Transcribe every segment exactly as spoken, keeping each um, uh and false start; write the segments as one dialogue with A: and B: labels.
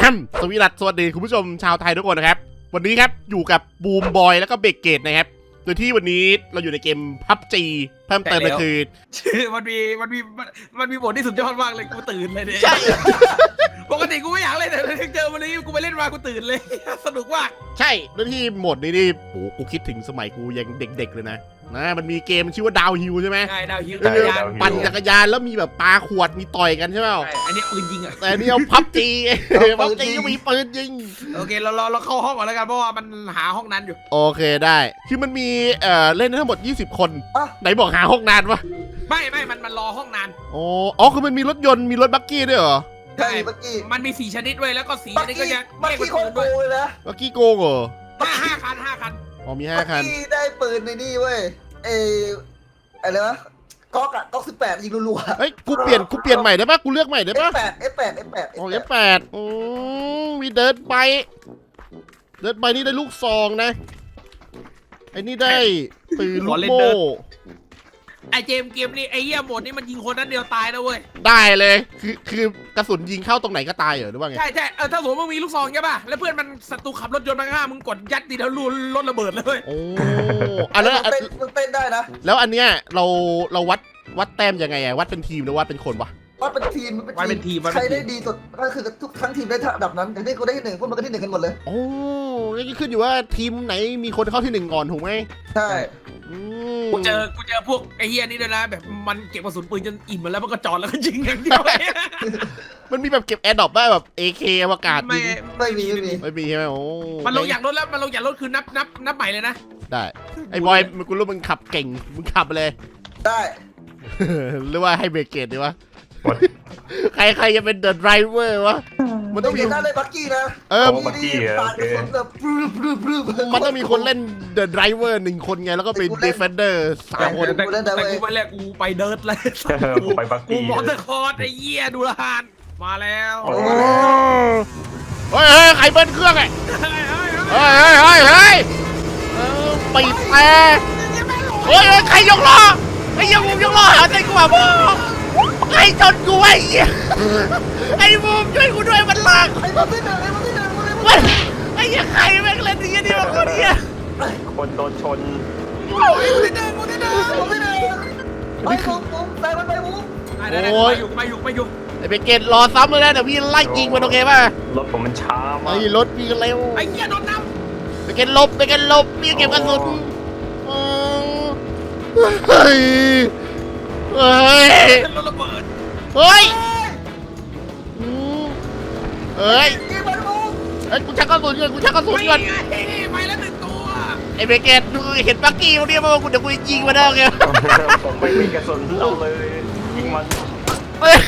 A: สวีดัสสวัสดีคุณผู้ชมชาวไทยทุกคนนะครับวันนี้ครับอยู่กับบูมบอยแล้วก็เบเกตนะครับโดยที่วันนี้เราอยู่ในเกม พับจี เพิ่มเติมก็คือ
B: ชื่อมันมีมันมีมันมีบทที่สุดยอดมากเลยกูตื่นเลยเนี่ยปกติกูไม่อยากเล่นแต่เจอวันนี้กูไปเล่นมากูตื่นเลยสนุกมาก
A: ใช่โดยที่โหมดนี้นี่โหกูคิดถึงสมัยกูยังเด็กๆเลยนะนะมันมีเกมชื่อว่าดาวฮิลใช่ไหม
B: ใช่ดาวฮิล
A: ปั่นจักรยานแล้วมีแบบปาขวดมีต่อยกันใช่ไหม
B: อันนี้ปืนยิงอ่ะ
A: แต่นี่เอาพับจีพับจีก็มีปืนยิง
B: โอเคเราเราเราเข้าห้องก่อนแล้วกันเพราะว่ามันหาห้องนั้นอยู่
A: โอเคได้คือมันมีเอ่อเล่นทั้งหมดยี่สิบคนไหนบอกหาห้องนานวะ
B: ไม่ไม่มันมันรอห้องนาน
A: อ๋ออ๋อคือมันมีรถยนต์มีรถบักกี้ด้วยเหรอ
C: ใช่บักกี้
B: มันมีสี่ชนิดด้วยแล้วก็สีนี้ก็จะ
C: บักกี้โกงเลยนะ
A: บักกี้โกงเหรอ
B: ห้าห้าคันห้าคัน
A: อ๋อมีห้าคัน
C: บักกี้ได้ปืนในนี่เว้ยเออะไรวะก๊อกอะก๊อกสิบแปดยิงรัว
A: ๆเฮ้ยกูเปลี่ยนกูเปลี่ยนใหม่ได้ปะกูเลือกใหม่ได้ปะ
C: เอฟแปด เอฟแปด เอฟแปด
A: อ๋อ เอฟแปด อืมมีเดินไปเดินไปนี่ได้ลูกซองนะไอ้นี่ได้ปืนลูกโม่
B: ไอเจมเกมนี่ไอเหี้ยหมดนี่มันยิงคนนั้นเดียวตายนะเว้ย
A: ได้เลยคือคือกระสุนยิงเข้าตรงไหนก็ตายเหรอหรือว่าไง
B: ใช่ใช่เออถ้าสมมติมึงมีลูกซองใช่ป่ะแล้วเพื่อนมันศัตรูขับรถยนต์มาข้างมึงกดยัดตีแล้วรุนรถระเบิดเลย
A: โอ้อะแล้ว
C: มันเต้นได้นะ
A: แล้วอันเนี้ยเราเราวัดวัดแต้มยังไงอะวัดเป็นทีมหรือวัดเป็นคนวะ
C: วัดเป็นทีม
B: วัดเป็นทีม
C: ใครได้ดีสุดก็คือทุกทั้งทีมได้ระดับนั้นอย่างที่กูได้ที่หนึ่งพวกมันก็ที่หนึ่งกันหมดเลย
A: โอ้ยขึ้นอยู่ว่าทีมไหนมีคนเข้าที่หนึ่งก่อนถูกไหม
C: ใช่
B: กูเจอกูเจอพวกไอ้เฮียนี่ด้วยนะแบบมันเก็บกระสุนปืนจนอิ่มมาแล้วมันก็จอดแล้วก็ยิงอย่างเดียว
A: มันมีแบบเก็บแอร์ดรอปได้แบบ เอ เค อวกาศ
C: ไม่ไม่มีไม่มี
A: ไม่มีใช่ไหมโอ้
B: มันลงอย่างรถแล้วมันลงอย่างรถคือนับนับนับใหม่เลยนะ
A: ได้ไอ้บอยมึงกูรู้มึงขับเก่งมึงขับเลย
C: ได้
A: หรือว่าให้เบรกเกตดีวะใครใครจะเป็นเดอะไดรเวอร์วะ
C: มันต้องมีได้เลยบักกี้นะ
A: เออ
C: บักกี้
A: มันต้องมีคนเล่นเดอะไดรเวอร์หนึ่งคนไงแล้วก็เป็นดีเฟนเดอร์สามคน
B: แต่กูไปแรกกูไปเดิร์ดเลย
D: กูไปบักกี้
B: กูมอเตอร์คอร์ดไอ้เหี้ยดูละหานมาแล้ว
A: เฮ้ยเฮ้ยใครเบิ้ลเครื่องไงเฮ้ยเฮ้ยเฮ้ยเฮ้ยปิดแอร์เฮ้ยใครยกล้อไอ้ยังมุมยกล้อหาใจกูว่าพ่อไอ้ชนกูไอ้เหี้ยไอ้มุมช่วยกูด้วยมันลาก
C: ไอ้มุมที่หนึ่งไอ้มุมที่หนึ่ง
A: ไอ้ยังใครแม่งเล่นดีนี่มาคนเดีย
D: คนโดนชน
C: ไอ้มุมที่หนึ่งมุมที่หนึ่งมุมที่หนึ่งไอ้มุมมุมใส่มันไปมุม
B: โอ้ยอยู่ไปอยู่ไปอยู่
A: ไอ้เบเกตรอซ้ำเลยนะเดี๋ยวพี่ไล่ยิงมันโอเคป่ะ
D: รถผมมันช้ามาก
A: ไอ้รถพี่เร็ว
B: ไอ้เหี้ยโดนน้
A: ำเบเกตลบเบเกตลบพี่เก็บกระสุนเฮ้ยเฮ้ย
B: รถระเบิด
A: เฮ้ยเฮ้ยไอ้กูชักกระสุนก่อนกูชักกระสุนก่อน
B: ไปแล้วหนึ่งตัว
A: ไอ้เบเกตเห็นปักกี้เขาเนี่ยมากูเดี๋ยวกูยิงมาได้ไง
D: ผมไม่มีกระสุนเอาเลยยิงมัน
C: เฮ้ย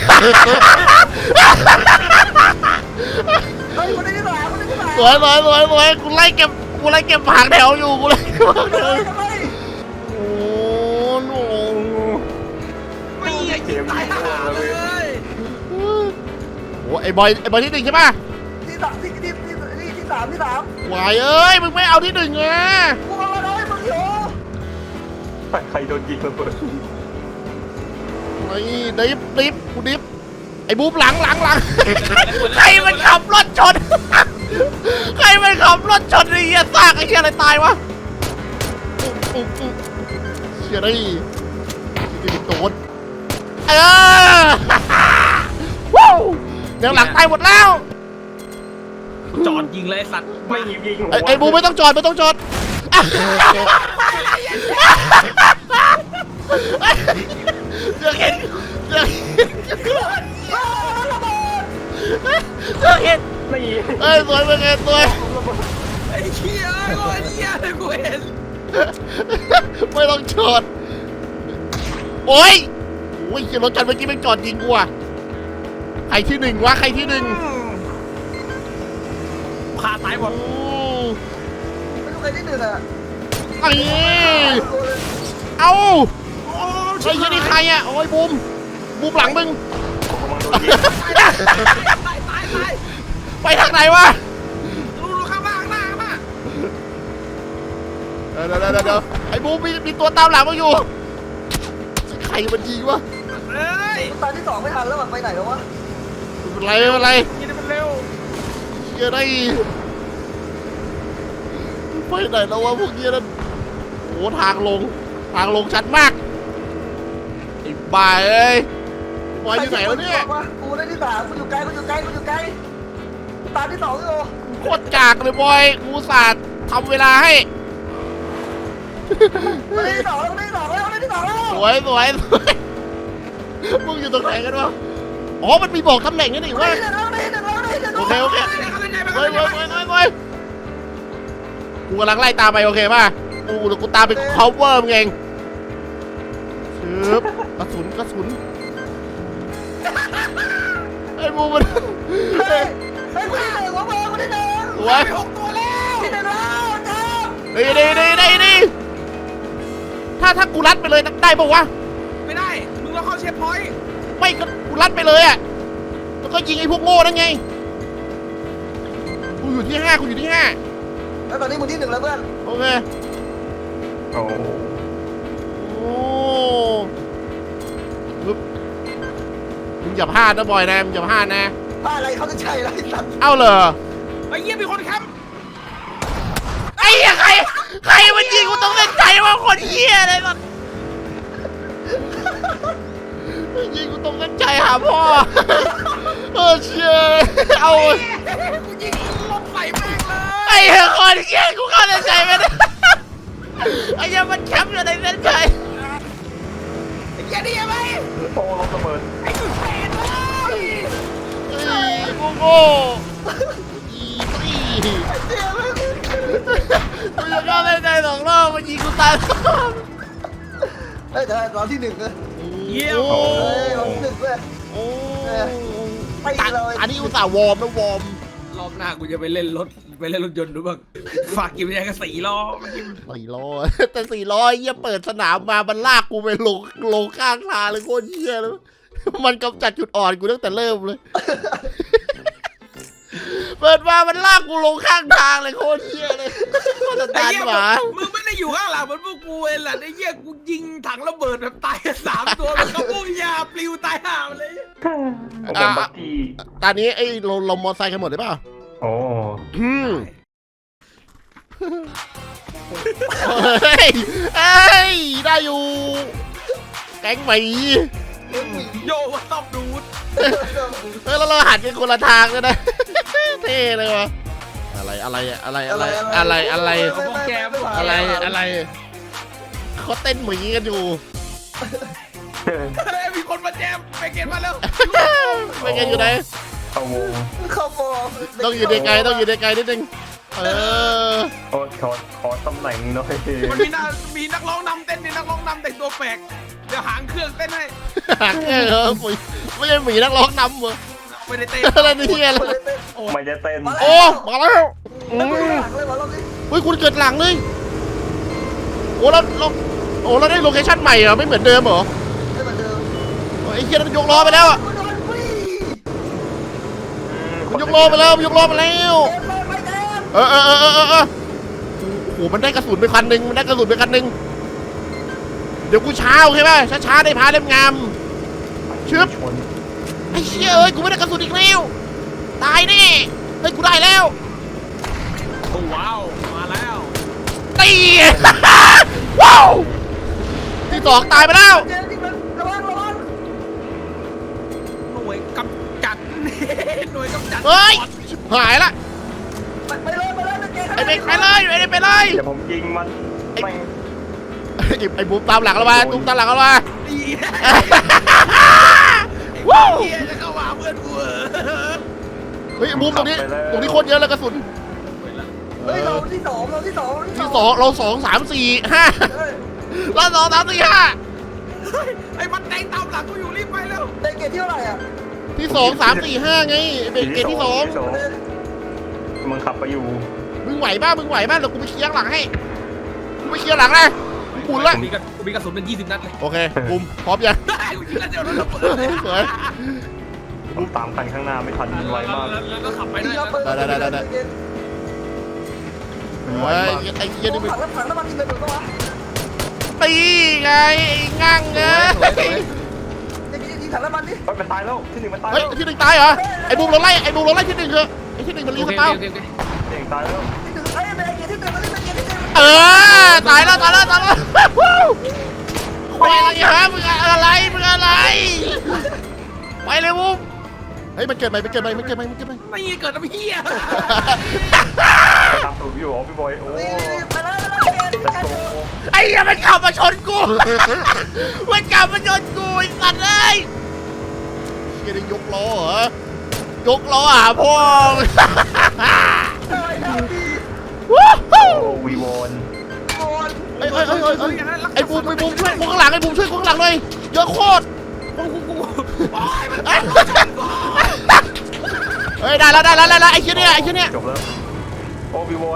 C: คนนี้ที่ไหนคนนี้ที่ไหน
A: สวยสวยสวยสวยกูไล่เก็บกูไล่เก็บผักแถวอยู่กูไล่เก็บผักแถวโอ้โห
B: ไม่เกมตายเลย
A: โอ้ไอ้บอยไอ้บอยที่หนึ่งใช่ป่ะ
C: ที่สามที่ที่ที่ที่สามที่สาม
A: วายเอ้ยมึงไม่เอาที่หนึ่งไง
C: กูเอาอะไรมึงอยู่
D: ใครโดนยิงระเบิด
A: ไอ้ดิฟดิฟกูดิฟไอ้บู๊บหลังหลังหลังใครมันขับรถชนใครมันขับรถชนไอ้เหี้ยซากไอ้เหี้ยอะไรตายวะเชี่ยได้ดิโดนเออวู้เดี๋ยวหลังตายหมดแล้ว
B: จอดยิงเลยสัตว์
D: ไม่ยิงยิง
A: ไอ้บูไม่ต้องจอดไม่ต้องจอดเรื่องเห็นเรื่องเรื่องเห็น
D: ไม่ยิง
A: เอ้ยสวยเป็นไงสวย
B: ไอ้เชี่ยไอ้เชี่ยกูเห็น
A: ไม่ต้องจอดโอ้ยโอ้ยรถกันเมื่อกี้มันจอดยิงกูอ่ะใครที่หนึ่งวะใครที่หนึ่ง
B: พาตายหมด
C: ไม่รู้ใครที่หนึ่งอ่ะ
A: ไอ้เอาไอ้ยี่นี่ใครอ่ะโอ้ยบูมบูมหลังมึงไปทางไหนวะ
B: ดูดูข้างล่างข้างหน้าข้างหน้า
A: เดี๋ยวเดี๋ยวเดี๋ยวไอ้บูมมีมีตัวตามหลังมาอยู่ใครมันยิงวะ
B: เฮ้ย
C: ตอนที่สองไม่ทันแล้วไปไหนแล้ววะ
A: เป็นไรเป็นไร
B: ยิงมันเร็ว
A: เยอะได้ไปไหนแล้ววะพวกเนี้ยนั่นโอ้ทางลงทางลงชัดมากไอ้บ้าเอ้ยบอยอยู่ไหนวะเนี่ย
C: กูได้ที่สามกูอยู่ไกลกูอยู่ไกลกูอยู่ไกลกูตามที่สองอยู่
A: โคตรกากเลยบอยกูอุตสาห์ทำเวลาให้
C: กูได้ที่สองแล้วกูได้ที่สองแล้วกูได้ที่สองแล้ว
A: สวยสวยสวยมึงอยู่ตรงไหนกันวะอ๋อมันมีบอกตำแหน่งนี่นี่
C: กู
A: ว่า
C: ได้ที่หนึ่งแล้วกูได้ที่หนึ่งแล้วกูได้ที่หนึ่ง
A: โอ
C: แล้ว
A: เคโอเคเว้ยเว้ยเว้ยเว้ยเว้ยกูกำลังไล่ตามไปโอเคป่ะกูเดี๋ยวกูตามไป cover มึงเองชึบกระสุนกระสุนไอ้บูมัน
C: เฮ้ยเฮ้ยกูได้หนึ่งวะเบอร์กูได้หนึ่ง
A: สวย
B: หกตัวแล้ว
C: ที่หนึ่งแล้วครับ
A: ดีดีดีดีดีถ้าถ้ากูรัดไปเลยได้ปะวะ
B: ไม่ได้มึงต้องเข้าเชฟพอยต์
A: ไม่ก็กูรัดไปเลยอ่ะแล้วก็ยิงไอ้พวกโง่นั่นไงกูอยู่ที่ห้ากูอยู่ที่ห้า
C: แล้วตอนนี้มึงที่หนึ่งแล้วเพื่อน
A: โอเค
D: โอ้
A: โอ้ปึ๊บมึงอย่าพลาดนะบอยนะมึงอย่าพลาดนะ
C: บ้าอะไรเขาจะใช่ไรสัตว์
A: เอ้าเหรอ
B: ไอ้เหี้ยมีคนแคมป์
A: ไอ้เหี้ยใครใครมันยิงกูต้องเล่นใจว่าคนเหี้ยอะไรมันยิงกูต้องเล่นใจหาพ่อเออเชี่ยเอา
B: กูยิงลบใส่แม่งเลย
A: ไอ้เหี้ยคนเหี้ยกูเข้าใจไม่ได้ไอ้เหี้ยมันแคมป์อยู่ในเส้นชัย
B: ไอ้เหี้ยนี่ยังไง
D: โอ้ลงระเบิด
B: ไอ้กูเตะเลย
A: ไอ้โง่โง่อีตี
C: เดี๋ยวไม่กู
A: กูจะเข้าเส้นชัยสองรอบมันยิงกูตาย
C: เฮ้ยแต่เราที่หนึ่งเลย
B: เยี่ยม
A: โอ้
C: เฮ้ยเราที่หนึ่งเลย
A: โอ้
C: ไปเลย
A: อันนี้อุตส่าห์วอร์มนะวอร์ม
B: รอบหน้ากูจะไปเล่นรถไปเล่นรถยนต์ดูบ้างฝากกินไปยังกระสีล้อมัน
A: สี่ล้อแต่สี่ล้อเยี่ยเปิดสนามมามันลากกูไปลงลงข้างทางเลยโคตรเยี่ยเลยมันกำจัดจุดอ่อนกูตั้งแต่เริ่มเลย เปิดมามันลากกูลงข้างทางเลยโคตรเยี่ยเลยโคตร
B: ไอ้
A: ตาน
B: เหี้ย
A: หมา
B: มึงไม่ได้อยู่ข้างหลังเหมือนพวกกูเองแหละไอ้เหี้ยกูยิงถังระเบิดแบบตายสามตัวมันก็ปุ้ยยาปลิวตายห่าเลย
D: ผมเป็นบักกี้
A: ตอนนี้ไอ้เราเรามอไซค์กันหมดได้ป่ะ
D: โอ้
A: อืมเฮ้ยเอ้ยได้อยู่แก๊งหมี
B: โยว่าต้องดูด
A: เออแล้วเราหันกันคนละทางเลยนะ เท่เลยวะอะไรอะไรอะไรอะไรอะไรอะไรอะไรอะไรเขาเต้นหมีกันอยู่
B: เฮ้ยมีคนมาแจมไปเก็บมาแล้ว
A: ไม่กันอยู่ไหน
D: เข้าวง
C: เข้าฟอร์ม
A: ต้องอยู่ในไกลต้องอยู่ในไกลนิดนึงเออ
D: โอ้ขอขอตำแหน่งหน่อย
B: มันมีนักมีนักร้องนำเต้นมีนักร้องนำแต่งตัวแปลกเดี๋ยวหางเครื่องเต้นให้
A: หางเออหมีไม่ใช่หมีนักร้องนำเหรอ
B: ไม่ได้เต้น
A: อะไรนี่อะไร
D: ไม่จะเต้น
A: โอ้มาแล้วอื
C: แล้วกู
A: ม
C: หลังเลยมาลองดิ
A: เฮ้ยคุณเกิดหลังเลยโอ้เราเราโอ้เราได้โลเคชั่นใหม่เหรอไม่เหมือนเดิมเหรอ
C: ให้มันเดิม
A: ไอ้เหี้ยนั่นยกล้อไปแล้วอ่ะ
C: กูโดนฟรี
A: มันยกล้อไปแล้วมันยกล้อไปแล้ว
C: เต็มเลยไปเต็ม
A: เออเออเออเออเออโอ้โหมันได้กระสุนไปคันหนึ่งมันได้กระสุนไปคันหนึ่งเดี๋ยวกูช้าโอเคป่ะช้าช้าๆได้พาเล่มงามชึบ
D: ชน
A: ไอ้เชี่ยเอ้ยกูไม่ได้กระสุนอีกแล้วตายแน่เฮ้ยกูได้แล้ว
B: โอ้ว้าวมาแล้ว
A: ตี ว้าวที่สองตายไปแล้ว
C: เจมที่มันระวังระวัง
B: หน่วยกำจัด หน่วยกำจัด
A: เฮ้ยชิบหายละ
C: ไปไปเลยไปเลยไปเกม
A: ไอ้เบกไปเลยไอ้เบกไปเลย
D: เดี๋ยวผมยิงมันแม่ง
A: ไอ้ไอ้บูมตามหลังเรามาบูมตามหลังเรามา
B: ดี
A: ว้าว
B: เฮียจะเข้ามาเพื่อนกูเหรอ
A: เฮ้ยบูมตรงนี้ตรงนี้โคตรเยอะเลยกระสุน
C: เฮ้ยเราที่สองเราที่สอง
A: ที่สองเราสองสามสี่ห้า
C: เฮ้ย
A: เราสองสามสี่ห้า
B: เฮ้ยไอ้มันแดงตามหลังกูอยู่รีบไปแล้ว
C: เด็กเกมที่เท่าไหร่อ่ะ
A: ที่สองสามสี่ห้าไงไอ้เบกเกตที่สอง
D: มึงขับไปอยู่
A: มึงไหวบ้ามึงไหวบ้าเดี๋ยวกูไปเคลียร์หลังให้กูไปเคลียร์หลังนะกูละ
B: มีกระกูมีกระสุนเป็นยี่สิบนัดเลย
A: โอเคบูมพร้อมยัง
B: ได้กูยิงแล้วเดี๋ยวรถระเบิด
A: สวย
D: ผมตามคันข้างหน้าไม่ทันมันไวมาก
B: แล้วก็ขับไป
C: ที่
B: ด้วย
C: เราเปิด
D: มันไว
A: เฮ้ย
D: มาก
A: ไอ้เหี้ยนี่มึง
C: ถังน้ำถังน้ำมันกินไปหมดปะวะ
A: ตีไงไอ้งั่งเอ้ย
C: ไอ้พี่ที่ถังน้ำมันดิ
D: เฮ้ยมันตายแล้วที่หนึ่งมันตาย
A: เฮ้ย
D: แล้ว
A: ที่หนึ่งตายเหรอไอ้บูมเราไล่ไอ้บูมเราไล่ที่หนึ่งเถอะอ้ที่หนึ่งมันรี
B: โอ
A: ส
B: เค
A: ปาว
B: โอเคโอเค
D: เองตายแล้ว
C: เฮ้ยเบรกเกียร์ที่หนึ่งมาดิเบรกเกียร์ที่หนึ่ง
A: เออตายแล้วตายแล้วตายแล้วไปอะไรฮะมึงอะไรมึงอะไรไปเลยวุ้มเฮ้ยมันเกิดใหม่มันเกิดใหม่มันเกิดใหม่มันเกิดใหม่
B: ไม่เกิดอะไรเฮีย
D: ตามตูดอยู่อ๋อพี่บอยโอ้
C: ไปแล้วไปแล้ว
D: จะโต
A: ไอ้เหี้ยมันขับมาชนกู มันขับมาชนกูไอ้สัตว์เลยเฮียได้ยกล้อเหรอยกล้อหาพ่อวู้ฮู้
D: โอ้วีวอน
C: โอน
A: ไอ้ไอ้ไอ้ไอ้ไอ้บูมไอ้บูมช่วยกูข้างหลังไอ้บูมช่วยกูข้างหลังหน่อยเยอะโคตร
B: กูกูกู
A: เฮ้ยได้แล้วได้แล้วได้แล้วไอ้เชี่ยเนี่ยไอ้เชี่ยเนี่ย
D: จบแล้วโอ้วีวอน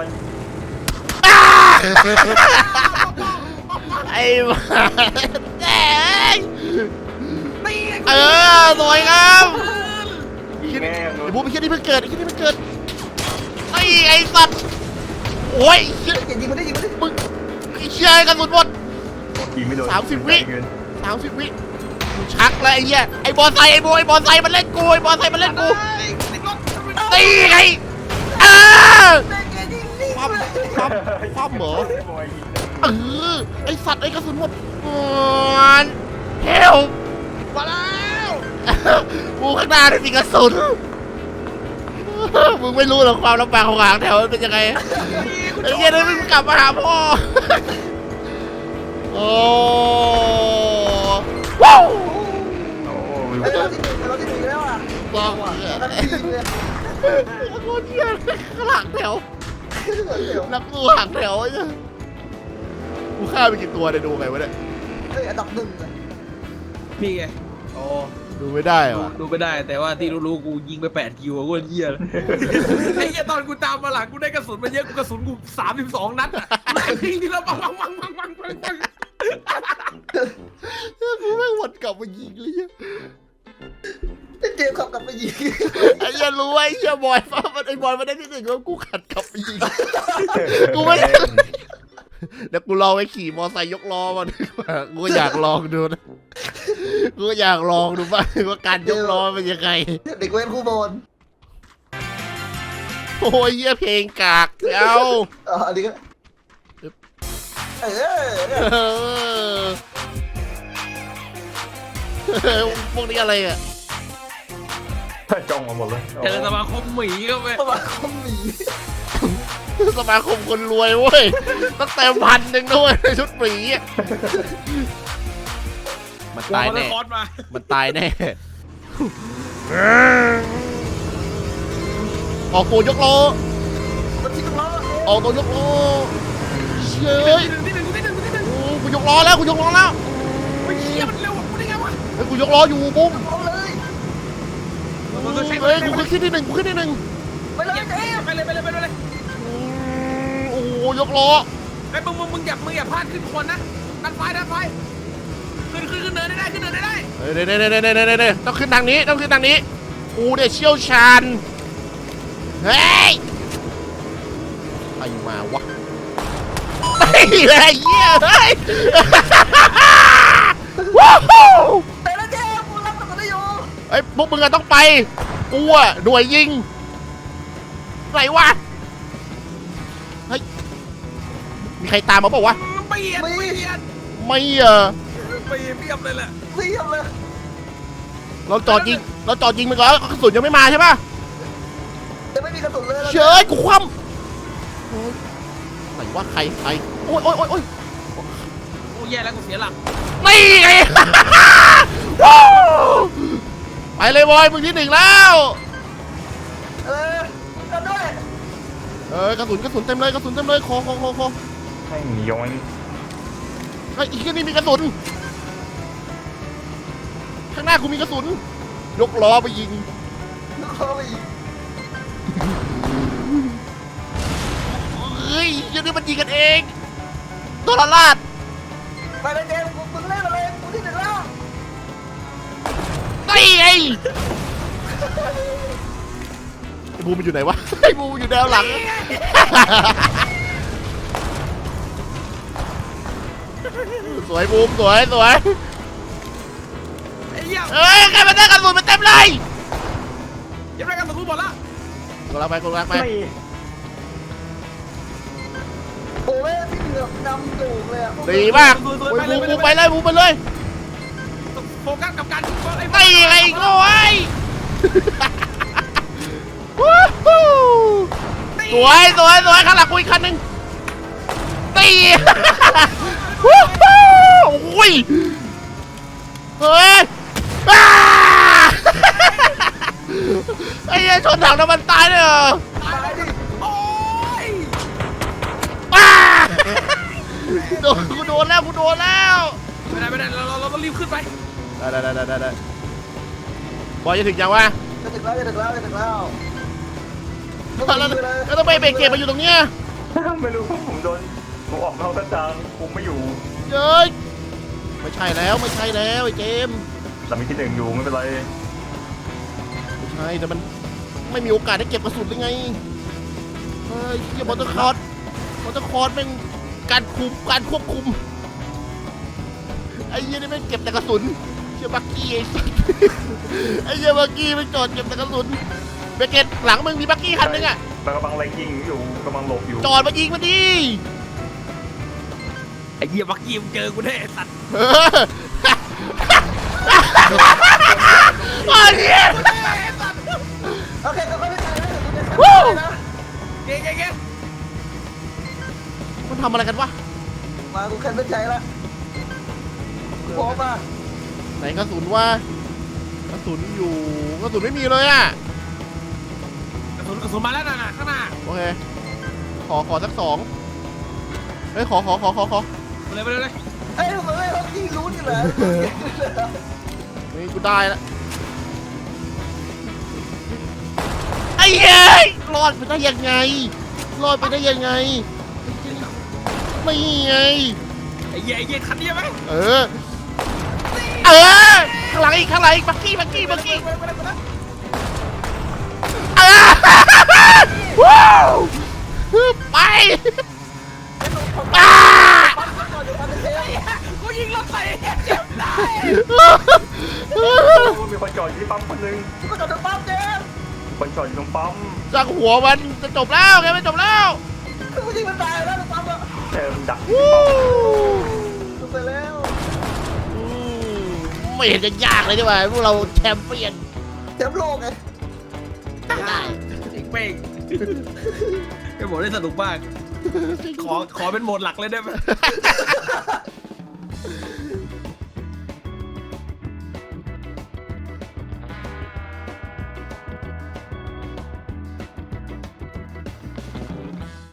A: ไอ้บ้าแดง
B: ไม่
A: เออสวยงาม
D: แม่ง
A: ไอ้บูมไอ้เชี่ยนี่เพิ่งเกิดไอ้เชี่ยนี่เพิ่งเกิดไอ้ไอ้สัตว์โอ้ยเชี่ย
C: เกียร์ยิงมันได้ยิงมันได้
A: มึงไอ้เชี่ยกระสุนหมด
D: ยิงไม่โดน
A: สามสิบวิ สามสิบวิกูชักแล้วไอ้เหี้ยไอ้บอลไซไอ้โบไอ้บอลไซมันเล่นกูไอ้บอลไซมันเล่นกูตีไงเออ
C: เบรกเกียร์ยิงนี่
A: ความความความเหรอ
D: พี่บอยยิง
A: เออไอสัตว์ไอกระสุนหมดเฮลมาแล้วกูข้างหน้าไม่มีกระสุนมึงไม่รู้หรอกความลำบากของหางแถวมันเป็นยังไงไอ้เงี้ยนี่มึงกลับมาหาพ่อโอ้ว้าว
D: โอ้วีว
C: ไอ้
D: อ
C: เรา
D: น
C: ที่หนึ่งเราที่หนึ่งแล้วอ่ะ
A: บอก
C: นักทีมเลย
A: โคตรเยี่ยข้างหลังแถว
C: เดี๋ยว
A: นักสู้หางแถวไอ้เนี่ยกูฆ่าไปกี่ตัวเนี่ยดูไงวะเนี่ย
C: เฮ้ยอันดับหนึ่งเลย
B: นี่ไงโอ้
A: ดูไม่ได้ว่ะ
B: ดูไม่ได้แต่ว่าที่รู้ๆกูยิงไปแปดคิวกูเหี้ยไอ้เหี้ยตอนกูตามมาหลังกูได้กระสุนมาเยอะกูกระสุนกูสามสิบสองนัดอะแม่งทิ้งทีละปังปังปังปังปังปังปัง
A: กูไม่งวนกลับมายิงเลยเนี่ย
C: เจมส์ขับกลับไปยิง
A: ไอ้เหี้ยรู้ไอ้เหี้ยบอยฟ้ามันไอ้บอยมันได้ที่หนึ่งแล้วกูขัดกลับไปยิง กูไม่ได้เดี๋ยวกูลองไปขี่มอไซค์ยกล้อมาดีกว่ากูอยากลองดูนะกูอยากลองดูบ้างว่าการยกล้อเป็นยังไง
C: เด็กเว้นคู่บอล
A: โอ้ยเหี้ยเพลงกากเอ้า
C: อ๋ออันนี้ก็เออ
A: เออพวกนี้อะไรอ่ะ
D: จ้องมาหมดเลย
B: เจอสมาคมหมีก็ไป
C: ประมาณคอมหมี
A: สมาคมคนรวยเว้ยตั้งแต่พันหนึ่งด้วยในชุดหมีอะมันตายแน่
B: คอร์สมา
A: มันตายแน่ออกตัวยกล้อ
C: มันชิคล้อ
A: ออกตัวยกล้อเชย
B: ที่หนึ่งที่หนึ่งที่หนึ่ง
A: โอ้กูยกล้อแล้วกูยกล้อแล้ว
B: ไอ้เหี้ยมันเร็วกูได้ไงวะ
A: เฮ้ยกูยกล้ออยู่บุ้ม
C: เอาเลย
A: เฮ้ยกูขึ้นที่หนึ่งกูขึ้นที่หนึ่ง
C: ไปเลยเจมส์
B: ไปเลยไปเลยไปเลย
A: โอ้โหยกล้อ
B: ไอ้มึงมึงมึงอย่ามึงอย่าพลาดขึ้นคนนะดันไฟดันไฟขึ้นขึ้นขึ้นเนินได้ได้ขึ้นเนินได้ได้
A: เฮ้ยเด้เด้เด้เด้เด้เด้ต้องขึ้นทางนี้ต้องขึ้นทางนี้กูเนี่ยเชี่ยวชาญเฮ้ยใครมาวะไอ้เหี้ยเหี้ยเฮ้ยว้าว
C: แต่ละเจมส์กูรับกับตัวอยู่
A: ไอ้พวกมึงอะต้องไปกูอะหน่วยยิงไหนวะเฮ้ยมีใครตามมาเปล่าวะ
B: เปลี่ยนเปลี่ยน
A: ไม่เออ
B: เปลี่ยนเปลี่ยนเลยแหละ
C: เสียบเลย
A: เราจอดยิงเราจอดยิงไปก่อนกระสุนยังไม่มาใช่ปะ
C: จะไม่มีกระสุนเลย
A: เชยกูคว่ำโอ๊ยไหนวะใครใครโอ้ยโอ้ยโอ้ยโอ้ย
B: โอ้แย่แล้วกูเสียหลัก
A: นี่ไง ว้าวไปเลยบอยมึงที่หนึ่งแล้ว
C: เออกันด้วย
A: เออกระสุนกระสุนเต็มเลยกระสุนเต็มเลยคอคอคอคอ
D: ให้ย้อน
A: ไอ้อีกนี่มีกระสุนข้างหน้ากูมีกระสุนยกล้อไปยิง
C: ลูกคอไปอีก
A: เฮ้ยยันนี่มันยิงกันเองโดนละลาด
C: ไปเลยเจมส์กูมึงเล่นอะไรกูที่หนึ่งแล้ว
A: นี่ไงไอ้บูมมันอยู่ไหนวะไอ้บูมมันอยู่แนวหลังสวยบูมสวยสวย
B: ไอ้เหี้ย
A: เฮ้ยใครมาได้กระสุนมาเต็มเลย
B: ยังได้กันตัวกูหมดละ
A: เกูรักไปกูรักไป
D: ไม่
C: โอ้ยพี่เหลือบนำโด่งเลยอ่ะ
A: ดีมากบูบูไปเลยบูไปเลย
B: โฟกัสกับการยิงบอลไอ้
A: ตีไงโง่ไอ้วู้ฮู้สวยสวยสวยข้างหลังกูอีกคันหนึ่งตีวู้ฮู้โอ้ยเฮ้ยอ้าไอ้เหี้ยชนถังน้ำมันตายเลยเหรอ
B: ตายดิโอ้ย
A: อ้าโดนกูโดนแล้วกูโดนแล้ว
B: ไม่ได้ไม่ได้เราเราต้องรีบขึ้นไป
A: ได้ได้ได้ได้ได้บอยจะถึงยังวะ
C: จะถึงแล้วจะถึงแล้วจะถึงแล้ว
A: แล้วแล้วต้องไปเบรกเกตมาอยู่ตรงเนี้ย
D: ไม่รู้ผมโดนผมออกนอกกระจางผมไม่อยู่
A: เย้ยไม่ใช่แล้วไม่ใช่แล้วไอ้เจมส์
D: แต่มีที่หนึ่งอยู่ไม่เป็นไร
A: ไม่ใช่แต่มันไม่มีโอกาสได้เก็บกระสุนได้ไงเฮ้ยเฮียมอเตอร์คอร์สมอเตอร์คอร์สเป็นการคุมการควบคุมไอ้เหี้ยนี่ไม่งเก็บแต่กระสุนเชี่ยบักกี้ไอ้สัสไอ้เหี้ยบักกี้ไม่จอดเก็บแต่กระสุนเบรกเกตหลังมึงมีบักกี้คันนึงอะ
D: มันกำลังไล่ยิงอยู่กำลังหลบอยู่
A: จอดมายิงมาดิ
B: ไอ้เหี้ยบักกี้มึงเจอกูแน่ไอ้สัตว์
A: เออโอ้ยเหี้ย
C: โอเคก็ไม่ได้นะ
A: วู้
B: เก่งเก่งเก่ง
A: มันทำอะไรกันวะ
C: มากูแคนเป็นใจละพร้อมป่ะ
A: ไหนกระสุนวะกระสุนอยู่กระสุนไม่มีเลยอะ
B: กระสุนกระสุนมาแล้วน่ะข้างหน้า
A: โอเคขอขอสักสองเฮ้ยขอขอขอขอขอ
B: ไปเลยไปเลยเลย
C: เอ้ยทำไมไม่เขาที่รู้นี่เหรอ
A: นี่กูได้ละไอ้เฮ้ยรอดไปได้ยังไงรอดไปได้ยังไงไม่ไง
B: ไอ้เหี้ยไอ้เหี้ยคันนี้ไหม
A: เออเออข้างหลังอีกข้างหลังอีกบักกี้บักกี้บักกี้เออว้าวไปอ่า
B: กูยิงรถใส่เจ็บได้
D: มีคนจอดอยู่ที่ปั๊มคนหนึง
C: ก็จอดตรงปั๊มเจม
D: มีคนจอดอยู่ตรงปั๊ม
A: สักหัวมันจะจบแล้วไงไม่จบแล้ว
C: กูยิงมันตายแล้วตรงปั๊มอ่ะ
D: แต่มันดัก
A: วู้
C: จบไปแล้ว
A: อืมไม่เห็นจะยากเลยดีกว่าพวกเราแชมเปี้ยน
C: แชมป์โลกไง
A: ได้
B: เจ๋งเป้งไอ้โหมดได้สนุกมากขอขอเป็นโหมดหลักเลยได้ไหม